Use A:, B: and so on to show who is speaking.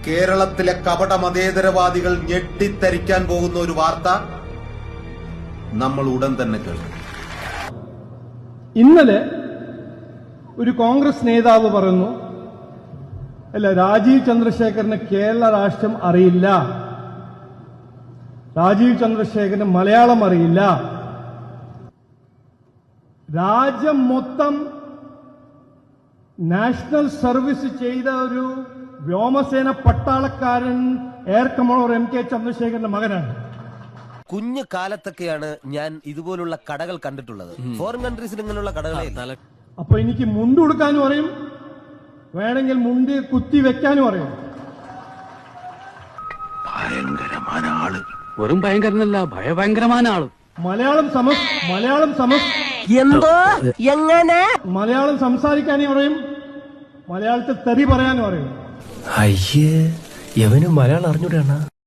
A: കേരളത്തിലെ കപട മതേതരവാദികൾ ഞെട്ടിത്തരിക്കാൻ പോകുന്ന ഒരു വാർത്ത നമ്മൾ ഉടൻ തന്നെ കേൾക്കും.
B: ഇന്നലെ ഒരു കോൺഗ്രസ് നേതാവ് പറയുന്നു, അല്ല, രാജീവ് ചന്ദ്രശേഖരന് കേരള രാഷ്ട്രം അറിയില്ല, രാജീവ് ചന്ദ്രശേഖരന് മലയാളം അറിയില്ല. രാജ്യം മൊത്തം നാഷണൽ സർവീസ് ചെയ്ത ഒരു വ്യോമസേന പട്ടാളക്കാരൻ എയർ കമാൻഡർ എം കെ ചന്ദ്രശേഖരന്റെ മകനാണ്.
C: കുഞ്ഞു കാലത്തൊക്കെയാണ് ഞാൻ ഇതുപോലുള്ള കടകൾ കണ്ടിട്ടുള്ളത്. ഫോറിൻ കൺട്രീസിൽ ഇങ്ങനെയുള്ള കടകളെ.
B: അപ്പൊ എനിക്ക് മുണ്ട് കൊടുക്കാനും അറിയും, വേണമെങ്കിൽ മുണ്ട് കുത്തി വെക്കാനും അറിയും.
D: ഭയങ്കരമായ ആള്. വെറും ഭയങ്കരനല്ല, ഭയങ്കരമായ ആള്.
B: മലയാളം സംസാരിക്കാനും അറിയും, മലയാളത്തിൽ തെറി പറയാനും അറിയും.
E: അയ്യേ, എവനും മലയാളം അറിഞ്ഞൂടാണ്.